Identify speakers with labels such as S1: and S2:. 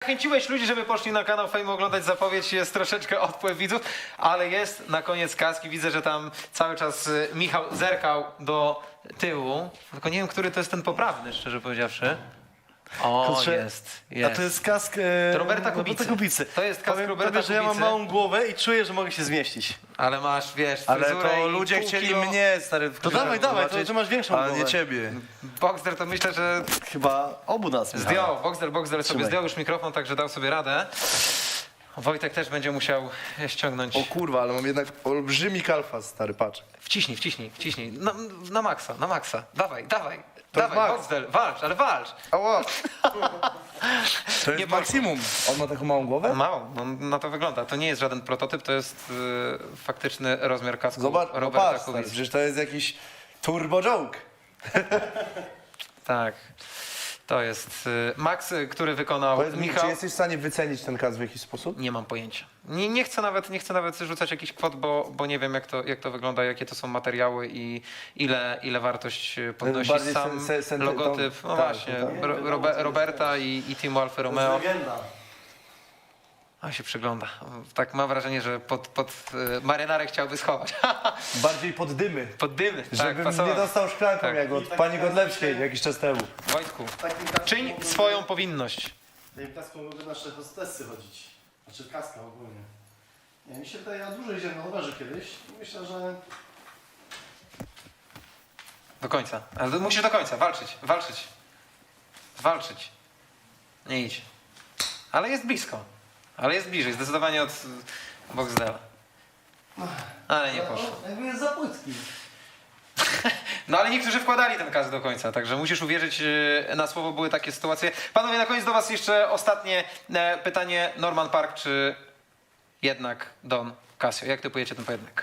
S1: zachęciłeś ludzi, żeby poszli na kanał Fame oglądać zapowiedź, jest troszeczkę odpływ widzów, ale jest na koniec kaski. Widzę, że tam cały czas Michał zerkał do tyłu. Tylko nie wiem, który to jest ten poprawny, szczerze powiedziawszy. O,
S2: Kurczę,
S1: jest.
S2: A to jest kask
S1: Roberta Kubicy. To jest kask
S2: Powiem
S1: Roberta
S2: tobie, że ja mam
S1: Kubicy.
S2: małą głowę i czuję, że mogę się zmieścić.
S1: Ale masz, wiesz,
S2: Ale
S1: fryzurę
S2: to
S1: i
S2: ludzie
S1: pół
S2: chcieli
S1: kilo.
S2: mnie, stary, w
S1: To
S2: dawaj,
S1: zobaczyć.
S2: to masz większą
S3: Ale
S2: głowę.
S3: nie ciebie.
S1: Boxer to myślę, że
S2: Chyba obu nas. Michał.
S1: zdjął. Boxer sobie
S2: Trzymaj.
S1: zdjął już mikrofon, także dał sobie radę. Wojtek też będzie musiał ściągnąć.
S3: O kurwa, ale mam jednak olbrzymi kalfas, stary, patrz.
S1: Wciśnij. Na maksa. Dawaj.
S3: To
S1: Dawaj,
S3: walcz.
S1: Boxer, walcz.
S3: Ała! To
S1: Nie
S3: jest
S1: poszło.
S3: maksimum. On ma taką małą głowę?
S1: Mało, no, na to wygląda. To nie jest żaden prototyp, to jest faktyczny rozmiar kasku
S3: Zobacz, no
S1: Roberta
S3: patrz, stary,
S1: Kubicy.
S3: przecież to jest jakiś turbo joke.
S1: Tak. To jest Max, który wykonał
S3: Powiedz mi,
S1: Michał.
S3: czy jesteś w stanie wycenić ten kask w jakiś sposób?
S1: Nie mam pojęcia. Nie chcę nawet rzucać jakichś kwot, bo nie wiem jak to wygląda, jakie to są materiały i ile wartość podnosi
S3: Bardziej
S1: sam logotyp. No
S3: tak,
S1: właśnie,
S3: tak.
S1: Roberta i Teamu Alfa
S2: To
S1: Romeo.
S2: jest legenda.
S1: On się przygląda. Tak mam wrażenie, że pod marynarę chciałby schować.
S3: Bardziej pod dymy.
S1: Pod dymy. Tak,
S3: Żebym
S1: pasował.
S3: nie dostał szklanką
S1: Tak.
S3: jak od pani Godlewskiej jakiś czas temu.
S1: Wojtku,
S2: Takim kaskiem
S1: czyń
S2: mogłyby-
S1: swoją powinność.
S2: Takim kaską mogły nasze hostessy chodzić. Znaczy kaska ogólnie. Nie, mi się wydaje, ja dużo jeździłem na rowerze kiedyś i myślę, że
S1: Do końca. Ale musisz do końca. Walczyć. Nie idź. Ale jest blisko. Ale jest bliżej. Zdecydowanie od Boxdela. Ale nie poszło.
S2: jakby jest za płytki.
S1: No ale niektórzy wkładali ten kask do końca, także musisz uwierzyć na słowo, były takie sytuacje. Panowie, na koniec do was jeszcze ostatnie pytanie. Norman Park czy jednak Don Casio? Jak typujecie ten pojedynek?